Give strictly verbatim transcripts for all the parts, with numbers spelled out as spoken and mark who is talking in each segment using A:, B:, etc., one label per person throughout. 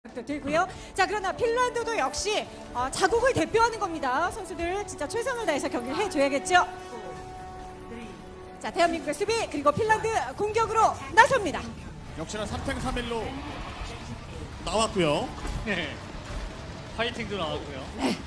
A: 들고요. 자, 그러나 핀란드도 역시 어, 자국을 대표하는 겁니다. 선수들 진짜 최선을 다해서 경기를 해줘야겠죠. 자, 대한민국의 수비 그리고 핀란드 공격으로 나섭니다.
B: 역시나 삼 탱 삼 일로 나왔고요.
C: 네. 파이팅도 나왔고요.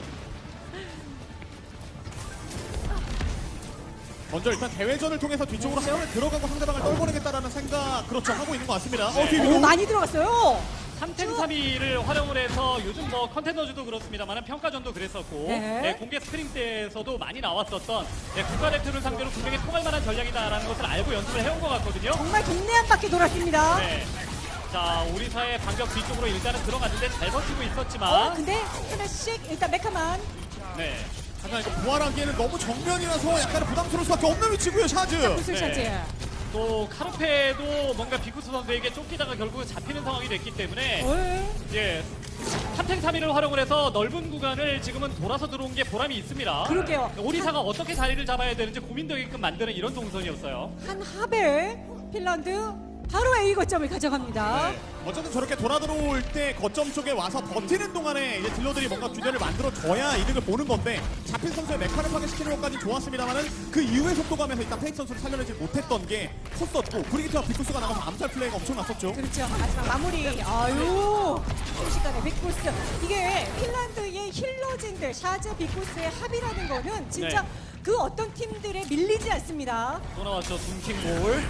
B: 먼저 일단 대회전을 통해서 뒤쪽으로 한 번에 들어가고 상대방을 떨궈내겠다라는 생각 그렇죠 하고 있는 것 같습니다. 어, 뒤에
A: 오,
B: 위로.
A: 많이 들어갔어요.
C: 삼 탱 삼 이를 활용을 해서 요즘 뭐 컨테너즈도 그렇습니다만 평가전도 그랬었고
A: 네.
C: 네, 공개 스크린 때에서도 많이 나왔었던 네, 국가대표를 상대로 분명히 통할 만한 전략이다라는 것을 알고 연습을 해온 것 같거든요.
A: 정말 동네 한 바퀴 돌았습니다.
C: 네. 자, 오리사의 반격 뒤쪽으로 일단은 들어갔는데 잘 버티고
A: 어,
C: 있었지만
A: 근데 하나씩 일단 메카만.
C: 네.
B: 하지만 이거 부활하기에는 너무 정면이라서 약간 부담스러울 수밖에 없는 위치고요. 샤즈.
A: 구슬
C: 네.
A: 샤즈.
C: 또 카르페도 뭔가 비쿠스 선수에게 쫓기다가 결국 잡히는 상황이 됐기 때문에
A: 오,
C: 예. 삼 탱 삼 이를 활용을 해서 넓은 구간을 지금은 돌아서 들어온 게 보람이 있습니다.
A: 그러게요.
C: 오리사가 어떻게 자리를 잡아야 되는지 고민되게끔 만드는 이런 동선이었어요.
A: 한 하벨 핀란드 바로 A 거점을 가져갑니다.
B: 네. 어쨌든 저렇게 돌아 들어올 때 거점 쪽에 와서 버티는 동안에 이제 딜러들이 뭔가 균열을 만들어줘야 이득을 보는 건데 잡힌 선수의 메카를 파괴시키는 것까지 좋았습니다만은 그 이후의 속도감에서 일단 페이크 선수를 살려내지 못했던 게 컸었고 브리기트와 비쿠스가 나가서 암살 플레이가 엄청났었죠.
A: 그렇죠. 마지막 마무리. 아유, 순식간에 빅보스. 이게 핀란드의 힐러진들 샤즈 빅보스의 합이라는 거는 진짜
C: 네.
A: 그 어떤 팀들에 밀리지 않습니다.
C: 또 나왔죠. 둠킹볼.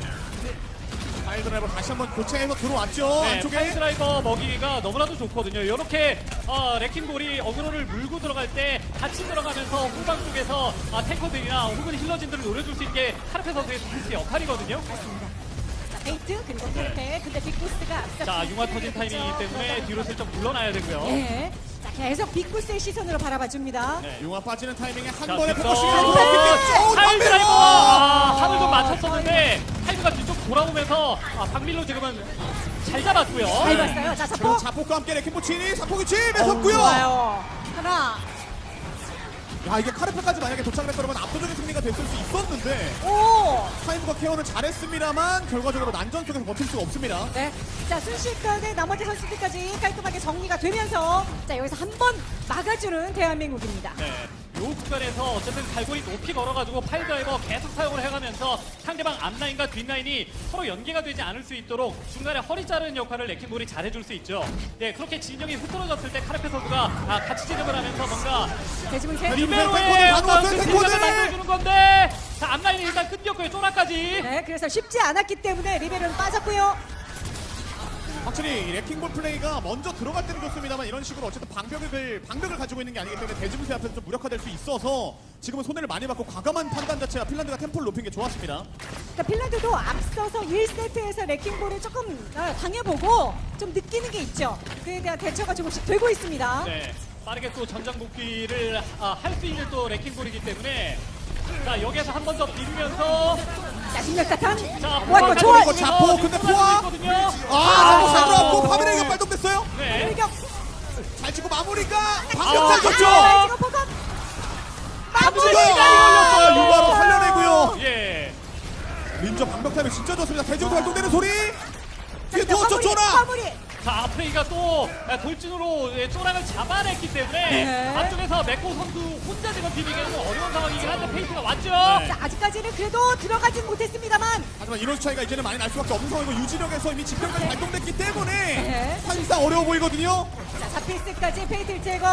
B: 파일 드라이버 다시 한번 교체해서 들어왔죠.
C: 네,
B: 안쪽에.
C: 파이드라이버 먹이기가 너무나도 좋거든요. 이렇게 어, 레킹볼이 어그로를 물고 들어갈 때 같이 들어가면서 후방 쪽에서 아, 탱커들이나 혹은 힐러진들을 노려줄 수 있게 카르페 선수의 디펜스 역할이거든요.
A: 자, 페이트 그리고 카르페. 근데 빅보스가 앞서
C: 자, 융화 터진 타이밍이기 때문에 뒤로 슬쩍 물러나야 되고요.
A: 네. 자, 계속 빅보스의 시선으로 바라봐 줍니다.
C: 네.
B: 융화 빠지는 타이밍에 한
C: 자,
B: 번에
C: 뒷선.
B: 포커싱을
A: 오,
C: 하이 드라이버! 아, 하늘 좀
B: 맞췄
C: 맞췄었는데 하이브가 뒤쪽 돌아오면서 아, 박밀로 지금은 잘 잡았고요.
A: 잘 봤어요. 자,
B: 지금
A: 자폭.
B: 자폭과 함께 레킹보치니 자폭이
A: 어우,
B: 침에섰고요.
A: 좋아요. 하나.
B: 야 이게 카르페까지 만약에 도착을 했더라면 압도적인 승리가 됐을 수 있었는데
A: 오.
B: 타이브가 케어는 잘했습니다만 결과적으로 난전 속에서 버틸 수가 없습니다.
A: 네. 자, 순식간에 나머지 선수들까지 깔끔하게 정리가 되면서 자, 여기서 한 번 막아주는 대한민국입니다.
C: 네. 요 구간에서 어쨌든 갈고리 높이 걸어가지고 파일드라이버 계속 사용을 해가면서 상대방 앞라인과 뒷라인이 서로 연계가 되지 않을 수 있도록 중간에 허리 자르는 역할을 레킹볼이 잘해줄 수 있죠. 네, 그렇게 진영이 흐트러졌을 때 카르페 선수가 아, 같이 진입을 하면서 뭔가
A: 대지문세.
C: 리베로의
B: 탱커들 다
C: 어떤
B: 놓았어요,
C: 그
B: 탱커들!
C: 생각을 만들어주는 건데 자, 앞라인이 일단 끊겼고요. 쪼라까지.
A: 네, 그래서 쉽지 않았기 때문에 리베로는 빠졌고요.
B: 확실히 레킹볼 플레이가 먼저 들어갈 때는 좋습니다만 이런 식으로 어쨌든 방벽을 방벽을 가지고 있는 게 아니기 때문에 대지문세 앞에서 좀 무력화될 수 있어서 지금은 손해를 많이 받고 과감한 판단 자체가 핀란드가 템포를 높인 게 좋았습니다.
A: 그러니까 핀란드도 앞서서 일 세트에서 레킹볼을 조금 아, 당해보고 좀 느끼는 게 있죠. 그에 대한 대처가 조금씩 되고 있습니다.
C: 네, 빠르게 또 전장 복귀를 아, 할 수 있는 또 레킹볼이기 때문에 자, 여기에서 한 번 더 비비면서
A: 자, 중력사탄.
C: 자,
A: 와, 이거 좋아.
B: 이거 자포, 근데 포화! 아,
A: 아,
B: 잘 들어왔고 파베레가 발동됐어요.
C: 네.
A: 공격.
B: 잘 치고 마무리가
C: 아,
B: 방벽 잘 줬죠.
A: 아, 이거 포각.
C: 마무리
B: 아,
C: 시간이 걸렸어요.
B: 유바로 살려내고요.
C: 예.
B: 민저 방벽 타이밍 진짜 좋습니다. 대지부터 발동되는 소리. 뒤에
A: 자,
B: 누웠죠,
A: 마무리,
B: 쪼라.
A: 마무리.
C: 자, 아프레이가 또 돌진으로 예, 쪼랑을 잡아냈기 때문에
A: 네.
C: 앞쪽에서 맥고 선수 혼자 지금 비비기가 좀 어려운 상황이긴 한데 페이스가 왔죠.
A: 자, 아직까지는 그래도 들어가진 못했습니다만.
B: 하지만 이런 차이가 이제는 많이 날 수밖에 없는 상황이고 유지력에서 이미 집결까지 발동됐기 때문에
A: 네.
B: 사실상 어려워 보이거든요.
A: 자, 잡힐스까지 페이트를 제거.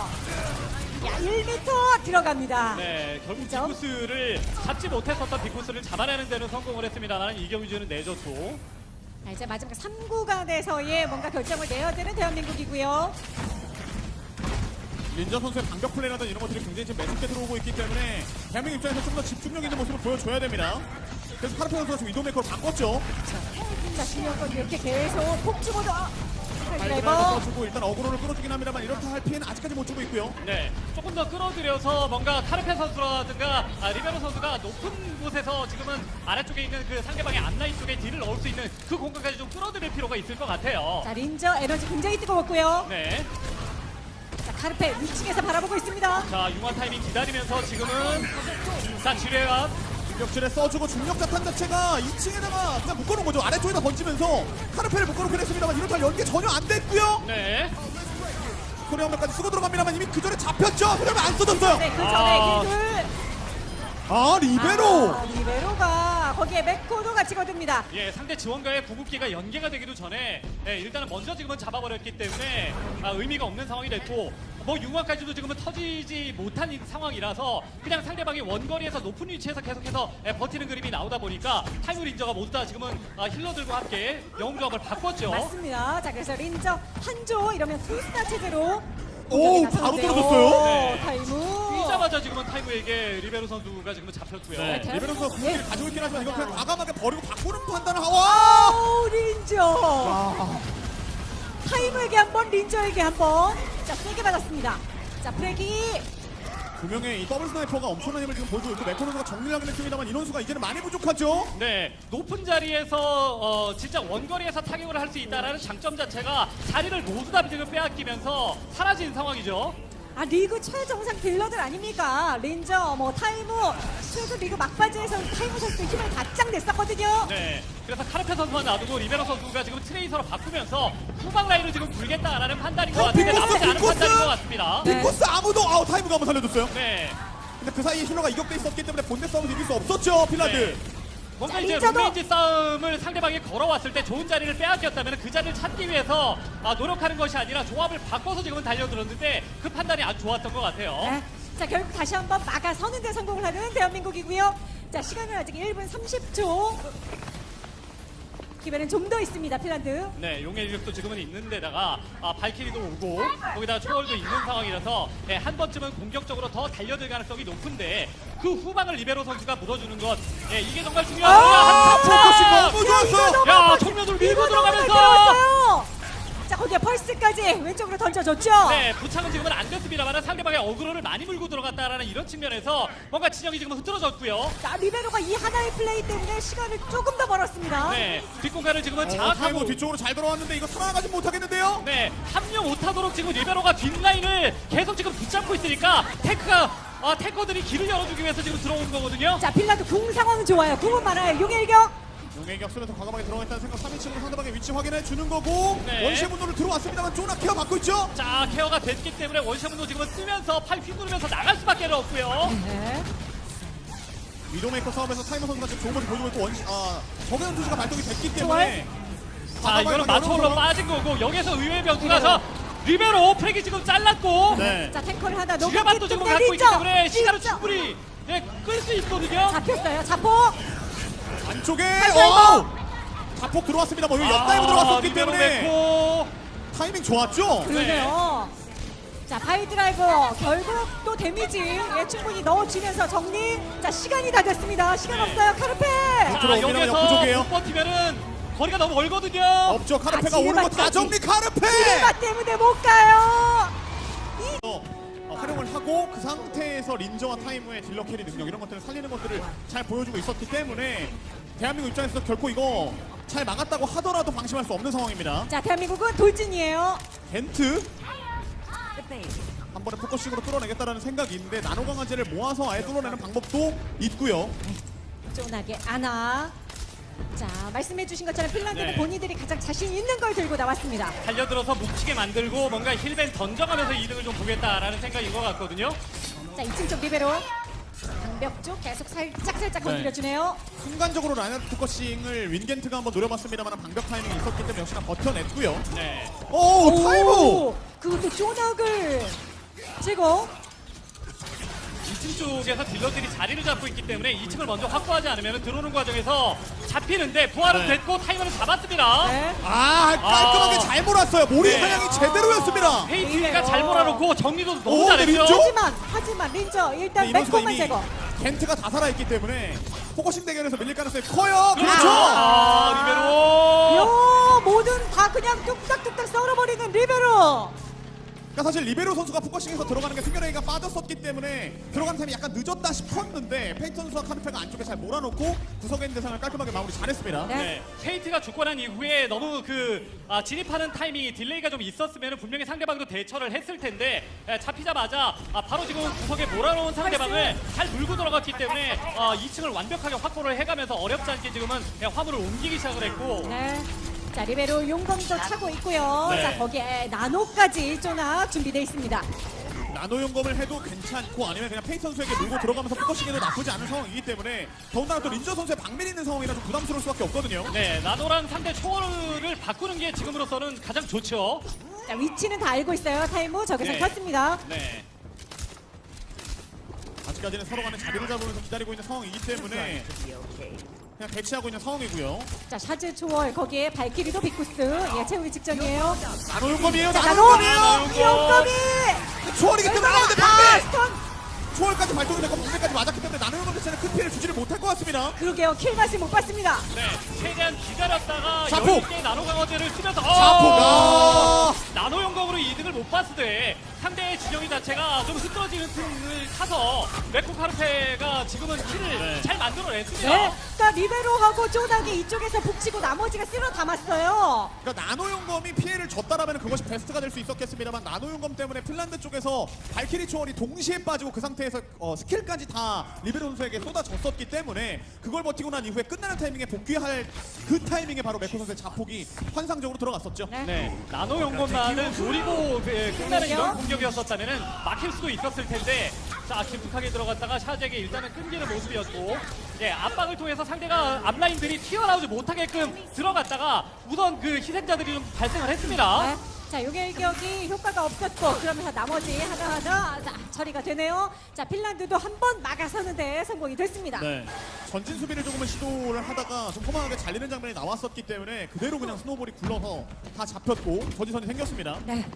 A: 야, 일 미터 들어갑니다.
C: 네, 결국
A: 그죠?
C: 비쿠스를 잡지 못했었던 비쿠스를 잡아내는 데는 성공을 했습니다만 이경주는 내줬고.
A: 자, 이제 마지막 삼 구간에서의 뭔가 결정을 내야 되는 대한민국이고요.
B: 린저 선수의 방벽 플레이라든 이런 것들이 굉장히 지금 매섭게 들어오고 있기 때문에 대한민국 입장에서 좀 더 집중력 있는 모습을 보여줘야 됩니다. 그래서 카르페 선수가 지금 이도메이커로 바꿨죠.
A: 자, 중요한 건 이렇게 계속 폭주모드. 아,
B: 파이드라이버
A: 드라이버.
B: 주고 일단 어그로를 끌어주긴 합니다만 이렇다 할 피해는 아직까지 못 주고 있고요.
C: 네, 조금 더 끌어들여서 뭔가 카르페 선수라든가 아, 리베로 선수가 높은 곳에서 지금은 아래쪽에 있는 그 상대방의 앞라인 쪽에 딜을 넣을 수 있는 그 공간까지 좀 끌어들일 필요가 있을 것 같아요.
A: 자, 린저 에너지 굉장히 뜨거웠고요.
C: 네,
A: 자, 카르페 위층에서 바라보고 있습니다.
C: 자, 융화 타이밍 기다리면서 지금은 자, 지뢰와
B: 벽질에 써주고 중력 자탄 자체가 이 층에다가 그냥 묶어놓은 거죠. 아래쪽에다 던지면서 카르페를 묶어놓긴 했습니다만 이런 탈 연계 전혀 안 됐고요.
C: 네.
B: 소리한번까지 쓰고 들어갑니다만 이미 그 전에 잡혔죠. 그러면 안 써졌어요.
A: 네, 그 전에
C: 아.
A: 힐들.
B: 아 리베로.
A: 아, 리베로가 거기에 맥코도 같이 거듭니다.
C: 예, 상대 지원과의 구급기가 연계가 되기도 전에 예, 일단은 먼저 지금은 잡아버렸기 때문에 아, 의미가 없는 상황이 됐고 뭐 융화까지도 지금은 터지지 못한 이 상황이라서 그냥 상대방이 원거리에서 높은 위치에서 계속해서 예, 버티는 그림이 나오다 보니까 타이머 린저가 모두 다 지금은 아, 힐러들과 함께 영웅조합을 바꿨죠.
A: 맞습니다. 자, 그래서 린저 한조 이러면 투스타 체제로
B: 오,
A: 공격에
B: 바로
A: 나섰는데요.
B: 떨어졌어요.
C: 네.
A: 타이무.
C: 뛰자마자 지금은 타이머에게 리베로 선수가 지금은 잡혔고요.
B: 네,
A: 네,
B: 리베로 선수
A: 예.
B: 궁극기를 가지고 있긴 하지만 이거 그냥 과감하게 버리고 바꾸는 판단을 하고. 와!
A: 오, 린저. 타이무에게 한 번, 린저에게 한 번. 자, 세게 받았습니다. 자, 프레기.
B: 두 명의 이 더블 스나이퍼가 엄청난 힘을 지금 보여주고 있고 메코 선수가 정리를 하긴 했습니다만 인원수가 이제는 많이 부족하죠.
C: 네, 높은 자리에서 어, 진짜 원거리에서 타격을 할 수 있다는 장점 자체가 자리를 모두 다 지금 빼앗기면서 사라진 상황이죠.
A: 아, 리그 최정상 딜러들 아닙니까? 린저, 뭐 타이무. 최소 리그 막바지에서 타이무 선수 힘을 바짝 냈었거든요.
C: 네, 그래서 카르페 선수만 놔두고 리베로 선수가 지금 트레이서로 바꾸면서 후방 라인을 지금 불겠다라는 판단인 것
B: 어,
C: 같은데
B: 빅코스,
C: 나쁘지 않은
B: 빅코스!
C: 판단인 것 같습니다.
A: 네.
B: 빅코스 아무도 아우 타이무가 한번 살려줬어요.
C: 네,
B: 근데 그 사이에 힐러가 이격돼 있었기 때문에 본대 싸움을 이길 수 없었죠 핀란드.
C: 네. 뭔가
A: 자,
C: 이제
A: 린저도!
C: 룸메이지 싸움을 상대방이 걸어왔을 때 좋은 자리를 빼앗겼다면 그 자리를 찾기 위해서 아, 노력하는 것이 아니라 조합을 바꿔서 지금은 달려들었는데 그 판단이 아주 좋았던 것 같아요.
A: 네. 자, 결국 다시 한번 막아서는 데 성공을 하는 대한민국이고요. 자, 시간은 아직 일 분 삼십 초. 기회는 좀 더 있습니다, 핀란드.
C: 네, 용의 일격도 지금은 있는데다가 아, 발키리도 오고 거기다가 초월도 있는 상황이라서 네, 한 번쯤은 공격적으로 더 달려들 가능성이 높은데 그 후방을 리베로 선수가 물어주는 것 예, 이게 정말 중요합니다.
B: 아, 포커싱
C: 한참
B: 너무 좋았어요.
C: 야, 청년들 밀고 들어가면서
A: 들어갔어요. 자, 거기에 펄스까지 왼쪽으로 던져줬죠.
C: 네, 부착은 지금은 안 됐습니다만 상대방의 어그로를 많이 물고 들어갔다라는 이런 측면에서 뭔가 진영이 지금 흐트러졌고요.
A: 자, 리베로가 이 하나의 플레이 때문에 시간을 조금 더 벌었습니다.
C: 네, 뒷공간을 지금은
B: 어,
C: 장악하고
B: 타이무 뒤쪽으로 잘 들어왔는데 이거 살아나가지 못하겠는데요.
C: 네, 합류 못하도록 지금 리베로가 뒷라인을 계속 지금 붙잡고 있으니까 테크가 아, 테커들이 길을 열어주기 위해서 지금 들어온 거거든요.
A: 자, 핀란드 궁 상황은 좋아요. 궁은 많아요. 용의 일격.
B: 용의 격수에서 과감하게 들어가겠다는 생각 삼 인칭으로 상대방의 위치 확인해 주는 거고
C: 네.
B: 원시의 분노를 들어왔습니다만 쪼나 케어 받고 있죠.
C: 자, 케어가 됐기 때문에 원샷문도 지금은 쓰면서 팔 휘두르면서 나갈 수밖에 없고요.
A: 네.
B: 위도메이커 싸움에서 타이머 선수가 지금 좋은 모습 보여주고 있고 원시 아 정해현 투시가 발동이 됐기 때문에
C: 자, 이거는 마초올로
B: 어려운
C: 빠진 거고 여기서 의외의 변수라서 리베로 프렉이 지금 잘랐고
B: 네.
A: 자, 탱커를 하나
C: 주가밭도 지금 갖고 있기 때문에 시간을 충분히 네, 끌 수 있거든요.
A: 잡혔어요. 자폭.
B: 안쪽에
A: 다이버!
B: 어! 자폭 들어왔습니다. 뭐 여기 옆다이브 들어왔었기
C: 리베로
B: 때문에
C: 메코.
B: 타이밍 좋았죠.
A: 그러네요. 자, 바이드라이버 결국 또 데미지 예, 충분히 넣어주면서 정리. 자, 시간이 다 됐습니다. 시간
C: 네.
A: 없어요. 카르페.
C: 자,
B: 들어오기는
C: 여기서
B: 역부족이에요.
C: 못 버티면은 거리가 너무 멀거든요.
B: 없죠. 카르페가
A: 아,
B: 오는 거 다
A: 지뢰밭까지.
B: 정리 카르페.
A: 지뢰밭 때문에 못 가요.
B: 어, 활용을 하고 그 상태에서 린저와 타이무의 딜러 캐리 능력 이런 것들을 살리는 것들을 잘 보여주고 있었기 때문에 대한민국 입장에서 결코 이거 잘 막았다고 하더라도 방심할 수 없는 상황입니다.
A: 자, 대한민국은 돌진이에요.
B: 겐트 한 번에 포커싱으로 뚫어내겠다는 생각이 있는데 나노 강화제를 모아서 아예 뚫어내는 방법도 있고요.
A: 쫀하게 아나. 자, 말씀해주신 것처럼 핀란드는
C: 네.
A: 본인들이 가장 자신 있는 걸 들고 나왔습니다.
C: 달려들어서 묵히게 만들고 뭔가 힐벤 던져가면서 이득을 좀 보겠다라는 생각인 것 같거든요.
A: 자, 이층 쪽 리베로. 방벽 쪽 계속 살짝 살짝
B: 네.
A: 건드려주네요.
B: 순간적으로 라인업 포커싱을 윈겐트가 한번 노려봤습니다만 방벽 타이밍이 있었기 때문에 역시나 버텨냈고요.
C: 네.
B: 오, 타이무!
A: 그것도 쪼낙을 제거.
C: 이 층 쪽에서 딜러들이 자리를 잡고 있기 때문에 이 층을 먼저 확보하지 않으면 들어오는 과정에서 잡히는데 부활은
B: 네.
C: 됐고 타이머는 잡았습니다.
A: 네.
B: 아 깔끔하게
C: 아.
B: 잘 몰았어요. 모리
C: 네.
B: 사냥이 제대로였습니다.
C: 헤이티가
A: 어.
C: 잘 몰아놓고 정리도 너무
B: 오,
C: 잘했죠.
B: 린저?
A: 하지만 하지만 린저 일단
B: 근데 이번
A: 맥코만 제거.
B: 겐트가 다 살아있기 때문에 포커싱 대결에서 밀릴 가능성이 커요. 그렇죠.
C: 아, 리베로.
A: 요 모든 다 그냥 뚝딱뚝딱 썰어버리는 리베로.
B: 그러니까 사실 리베로 선수가 포커싱에서 들어가는 게 승결레이가 빠졌었기 때문에 들어가는 타임이 약간 늦었다 싶었는데 페이트 선수와 카르페가 안쪽에 잘 몰아놓고 구석에 있는 대상을 깔끔하게 마무리 잘했습니다.
A: 네.
C: 네, 페이트가 죽고 난 이후에 너무 그 아, 진입하는 타이밍이 딜레이가 좀 있었으면 분명히 상대방도 대처를 했을 텐데 에, 잡히자마자 아, 바로 지금 구석에 몰아놓은 상대방을 잘 물고 들어갔기 때문에 아, 이 층을 완벽하게 확보를 해가면서 어렵지 않게 지금은 그냥 화물을 옮기기 시작을 했고
A: 네. 자, 리베로 용검도 차고 있고요.
C: 네.
A: 자, 거기에 나노까지 쪼낙 준비되어 있습니다.
B: 나노 용검을 해도 괜찮고 아니면 그냥 페이트 선수에게 물고 들어가면서 포커싱해도 나쁘지 않은 상황이기 때문에 더군다나 또 린저 선수의 방면이 있는 상황이라 좀 부담스러울 수밖에 없거든요.
C: 네, 나노랑 상대 초월을 바꾸는 게 지금으로서는 가장 좋죠.
A: 자, 위치는 다 알고 있어요. 타이무 적에서
C: 네.
A: 켰습니다.
C: 네.
B: 아직까지는 서로 간에 자리를 잡으면서 기다리고 있는 상황이기 때문에 그냥 대치하고 있는 상황이고요.
A: 자, 샤즈 초월 거기에 발키리도 빅쿠스 예, 채우기 직전이에요.
B: 나노 용검이에요.
A: 자,
B: 나노
A: 나노
B: 용검이에요.
A: 용검이
B: 초월이기 때문에 나오는데
A: 아,
B: 방패!
A: 스턴.
B: 초월까지 발동이 됐고 방패까지 맞았기 때문에 나노 용검 자체는 큰 피해를 주지를 못할 것 같습니다.
A: 그러게요. 킬 맛이 못 봤습니다.
C: 네, 최대한 기다렸다가
B: 자폭!
C: 여유있게 나노 강화제를 쓰면서
B: 자포가
C: 나노 영광으로 이득을 못 봤을 때 상대의 진영이 자체가 좀 흐트러지는 틈을 타서 메코 카르페가 지금은 킬을 잘 만들어냈습니다.
A: 네. 그러니까 리베로하고 쪼낙이 이쪽에서 북치고 나머지가 쓸어 담았어요.
B: 그러니까 나노 용검이 피해를 줬다라면 그것이 베스트가 될 수 있었겠습니다만 나노 용검 때문에 핀란드 쪽에서 발키리 초월이 동시에 빠지고 그 상태에서 어, 스킬까지 다 리베로 선수에게 쏟아졌었기 때문에 그걸 버티고 난 이후에 끝나는 타이밍에 복귀할 그 타이밍에 바로 메코 선수의 자폭이 환상적으로 들어갔었죠.
A: 네.
C: 네, 나노 용검만은 노리고 그, 끝나는 이런 공격이었었다면 막힐 수도 있었을 텐데 자 깊숙하게 들어갔다가 샤제에게 일단은 끊기는 모습이었고 예, 압박을 통해서 상대가 앞라인들이 튀어나오지 못하게끔 들어갔다가 우선 그 희생자들이 좀 발생을 했습니다.
A: 네. 자, 요게 일격이 효과가 없었고 그러면서 나머지 하나하나 자, 처리가 되네요. 자, 핀란드도 한 번 막아서는데 성공이 됐습니다.
B: 네. 전진 수비를 조금은 시도를 하다가 좀 허망하게 잘리는 장면이 나왔었기 때문에 그대로 그냥 스노우볼이 굴러서 다 잡혔고 저지선이 생겼습니다.
A: 네.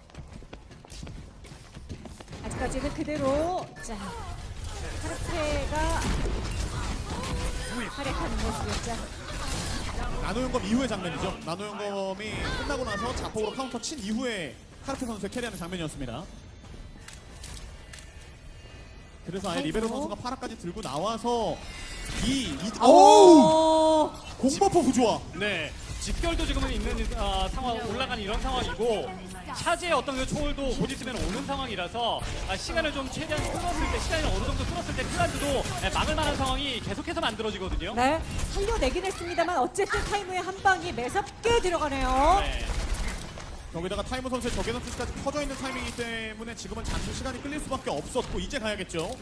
A: 아직까지는 그대로 자 카르페가 활약하는 모습이었죠.
B: 나노 용검 이후의 장면이죠. 나노 용검이 끝나고 나서 자폭으로 카운터 친 이후에 카르페 선수의 캐리하는 장면이었습니다. 그래서 아예 리베로 선수가 파라까지 들고 나와서 이, 이 오우!
A: 오!
B: 공버퍼 구조화.
C: 네, 집결도 지금은 있는 아, 상황 올라가는 이런 상황이고 차지의 어떤 그 초월도 곧 있으면 오는 상황이라서 아, 시간을 좀 최대한 끌었을 때 시간이 어느 정도 끌었을 때 핀란드도 네, 막을 만한 상황이 계속해서 만들어지거든요.
A: 네, 살려내긴 했습니다만 어쨌든 타이무의 한 방이 매섭게 들어가네요.
C: 네.
B: 여기다가 타이머 선수의 적외선 투시까지 퍼져 있는 타이밍이기 때문에 지금은 잠시 시간이 끌릴 수밖에 없었고 이제 가야겠죠.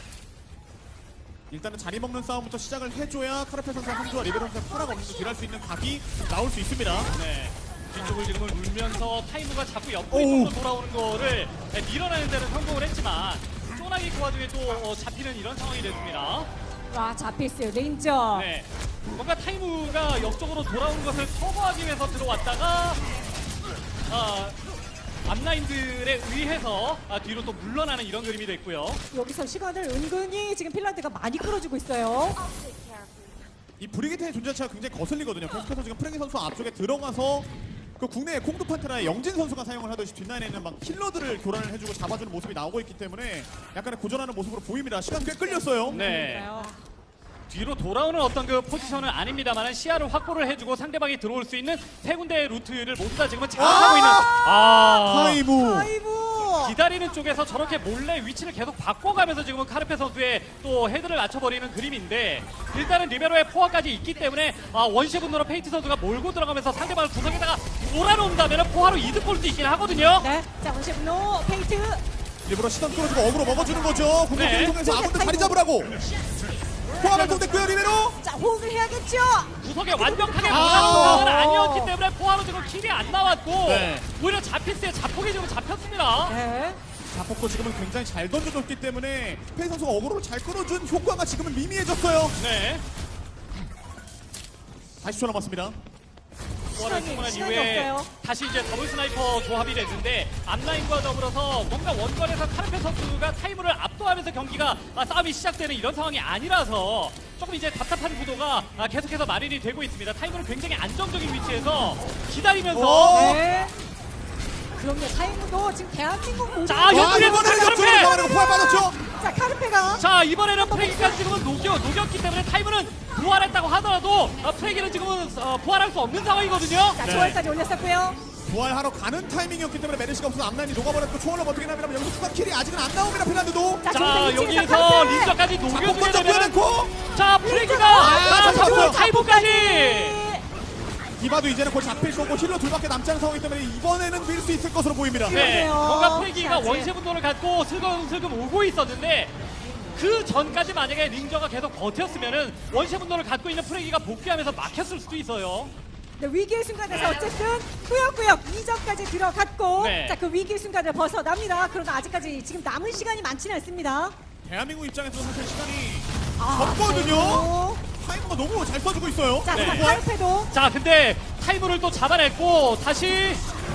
B: 일단은 자리 먹는 싸움부터 시작을 해줘야 카르페 선수와 함주와 리베로 선수의 파라가 없는 딜할 수 있는 각이 나올 수 있습니다.
C: 네. 뒤쪽을 지금은 울면서 타이무가 자꾸
B: 오우.
C: 옆구리로 돌아오는 거를 네, 밀어내는 데는 성공을 했지만 쪼나기 그 와중에 또 어, 잡히는 이런 상황이 됐습니다.
A: 와, 자피스 레인저.
C: 네. 뭔가 타이무가 옆쪽으로 돌아온 것을 커버하기 위해서 들어왔다가 아, 앞라인들에 의해서 아, 뒤로 또 물러나는 이런 그림이 됐고요.
A: 여기서 시간을 은근히 지금 핀란드가 많이 끌어주고 있어요.
B: 이 브리기테의 존재 자체가 굉장히 거슬리거든요. 계속해서 지금 프랭키 선수 앞쪽에 들어가서 그 국내의 콩두 판테라의 영진 선수가 사용을 하듯이 뒷라인에 있는 막 힐러들을 교란을 해주고 잡아주는 모습이 나오고 있기 때문에 약간의 고전하는 모습으로 보입니다. 시간 꽤 끌렸어요.
C: 네.
A: 그러니까요.
C: 뒤로 돌아오는 어떤 그 포지션은 아닙니다만 시야를 확보를 해주고 상대방이 들어올 수 있는 세 군데의 루트를 모두 다 지금은 장악하고 있는 아
B: 타이무.
A: 타이무.
C: 기다리는 쪽에서 저렇게 몰래 위치를 계속 바꿔가면서 지금은 카르페 선수의 또 헤드를 맞춰버리는 그림인데 일단은 리베로의 포화까지 있기 때문에 아, 원시 분노로 페이트 선수가 몰고 들어가면서 상대방을 구석에다가 몰아놓는다면 포화로 이득 볼 수 있긴 하거든요.
A: 네, 자, 원시분노 페이트.
B: 일부러 시선 끌어주고 어그로 먹어주는 거죠. 공격기를
C: 네.
B: 통해서 아군들 자리 잡으라고. 포화 발동됐고요 리베로.
A: 자, 호응을 해야겠죠.
C: 구석에 완벽하게
B: 아.
C: 몰아놓은 상황은 아니었기 때문에 포화로 지금 킬이 안 나왔고
B: 네.
C: 오히려 자피스의 자폭이 지금 잡혔습니다.
A: 네.
B: 자폭도 지금은 굉장히 잘 던져줬기 때문에 페이 선수가 어그로를 잘 끌어준 효과가 지금은 미미해졌어요.
C: 네.
B: 사십 초 남았습니다.
C: 포화를
A: 시간이-
C: 충분한
A: 시간이
C: 이후에
A: 없어요.
C: 다시 이제 더블 스나이퍼 조합이 됐는데 앞라인과 더불어서 뭔가 원거리에서 카르페 선수가 타이무를 압도하면서 경기가 아, 싸움이 시작되는 이런 상황이 아니라서 조금 이제 답답한 구도가 아, 계속해서 마련이 되고 있습니다. 타이무는 굉장히 안정적인 위치에서 기다리면서
B: 오!
A: 네. 그럼요. 타이무도 지금 대한민국 모두.
C: 자,
B: 와,
C: 옆구리에
B: 이번에는
C: 카르페!
B: 옆쪽으로 나가는 거 포함 빠졌죠?
A: 자, 카르페가.
C: 자, 이번에는 프레기가 지금은 녹여, 녹였기 때문에 타이머는 부활했다고 하더라도 어, 프레기는 지금은 어, 부활할 수 없는 상황이거든요.
A: 자,
B: 네.
A: 초월까지 올렸었고요.
B: 부활하러 가는 타이밍이었기 때문에 메르시가 없어서 앞라인이 녹아버렸고 초월로 버티긴 합니다만 여기서 추가 킬이 아직은 안 나옵니다. 핀란드도.
A: 자,
C: 자,
A: 지금 이 층에서
C: 여기서
A: 카르페.
C: 린저까지
B: 자,
C: 녹여주게
B: 먼저
C: 되면
B: 보여놓고
C: 자, 프레기가
A: 아,
C: 자,
B: 잘
C: 잡고
B: 잡았어요.
C: 타이머까지.
B: 디바도 이제는 곧 잡힐 거고 힐러 둘밖에 남지 않은 상황이기 때문에 이번에는 밀 수 있을 것으로 보입니다.
C: 네,
A: 그러네요.
C: 뭔가 프레기가
A: 자, 이제.
C: 원시 분노를 갖고 슬금슬금 오고 있었는데 그 전까지 만약에 린저가 계속 버텼으면은 원시 분노를 갖고 있는 프레기가 복귀하면서 막혔을 수도 있어요.
A: 네, 위기의 순간에서 어쨌든 꾸역꾸역 이 점까지 들어갔고
C: 네.
A: 자, 그 위기의 순간을 벗어납니다. 그러나 아직까지 지금 남은 시간이 많지는 않습니다.
B: 대한민국 입장에서 사실 시간이
A: 아,
B: 적거든요.
A: 그래도.
B: 타이머가 너무 잘 써주고 있어요.
A: 자,
C: 네.
A: 네. 카르페도
C: 자, 근데 타이머를 또 잡아냈고 다시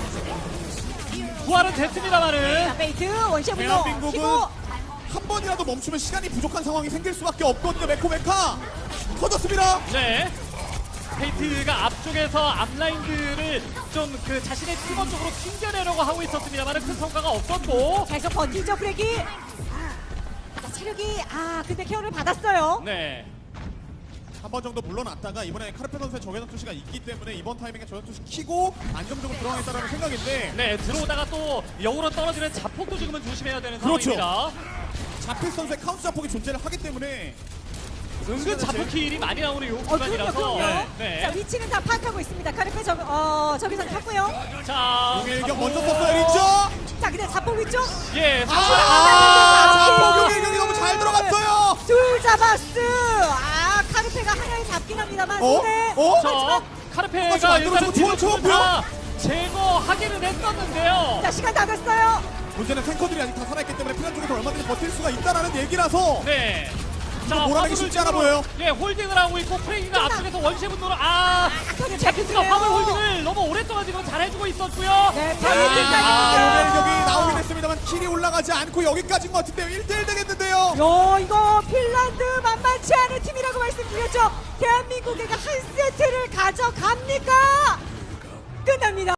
C: 부활은
A: 자,
C: 됐습니다만은
A: 베이트 원시의 분노
B: 대한민국은
A: 히보.
B: 한 번이라도 멈추면 시간이 부족한 상황이 생길 수밖에 없거든요. 메코메카 터졌습니다.
C: 네. 페이트가 앞쪽에서 앞라인들을 좀 그 자신의 팀원 쪽으로 튕겨내려고 하고 있었습니다만 큰 성과가 없었고.
A: 계속 버티죠 프레기. 자, 체력이 아 근데 케어를 받았어요.
C: 네.
B: 한 번 정도 물러났다가 이번에 카르페 선수의 정해전 투시가 있기 때문에 이번 타이밍에 정해전 투시 키고 안정적으로 들어가겠다는 생각인데
C: 네, 들어오다가 또 역으로 떨어지는 자폭도 지금은 조심해야 되는
B: 그렇죠.
C: 상황입니다.
B: 자필 선수의 카운트 자폭이 존재를 하기 때문에
C: 은근 자폭 킬이 많이 나오는 요
A: 어 그럼요
C: 구간이라서.
A: 그럼요.
C: 네.
A: 자 위치는 다 파악하고 있습니다. 카르페 저, 어, 저기서 탔고요.
C: 자,
B: 용의 일격
C: 자폭.
B: 먼저 썼어요. 린저.
A: 자 근데 자폭 위쪽
C: 예,
B: 아,
C: 자폭.
B: 자폭 용의 일격이 너무 잘 들어갔어요.
A: 둘 잡았스. 아 카르페가 하나에 잡긴 합니다만
B: 어?
A: 손에
B: 어?
C: 자,
B: 똑같이
C: 카르페가
B: 만들어주고
C: 일단은
B: 좋은
C: 뒤로
B: 좋은
C: 다 제거하기는 했었는데요.
A: 자 시간 다 됐어요.
B: 문제는 탱커들이 아직 다 살아있기 때문에 피난 쪽에서 얼마든지 버틸 수가 있다는 얘기라서
C: 네. 자,
B: 몰아내기
C: 화물을
B: 쉽지 않아
C: 지금,
B: 보여요.
C: 예, 홀딩을 하고 있고 프레이가
A: 끝나.
C: 앞쪽에서 원시 분노를 아,
A: 아까는
C: 제피스가
A: 잡혔어요.
C: 화물 홀딩을 너무 오랫동안 지금 잘 해주고 있었고요.
A: 네,
B: 아,
A: 페이트까지.
B: 용의 일격이 나오긴 했습니다만 킬이 올라가지 않고 여기까지인 것 같은데요. 일 대 일 되겠는데요.
A: 요 이거 핀란드 만만치 않은 팀이라고 말씀드렸죠. 대한민국에게 한 세트를 가져갑니까? 끝납니다.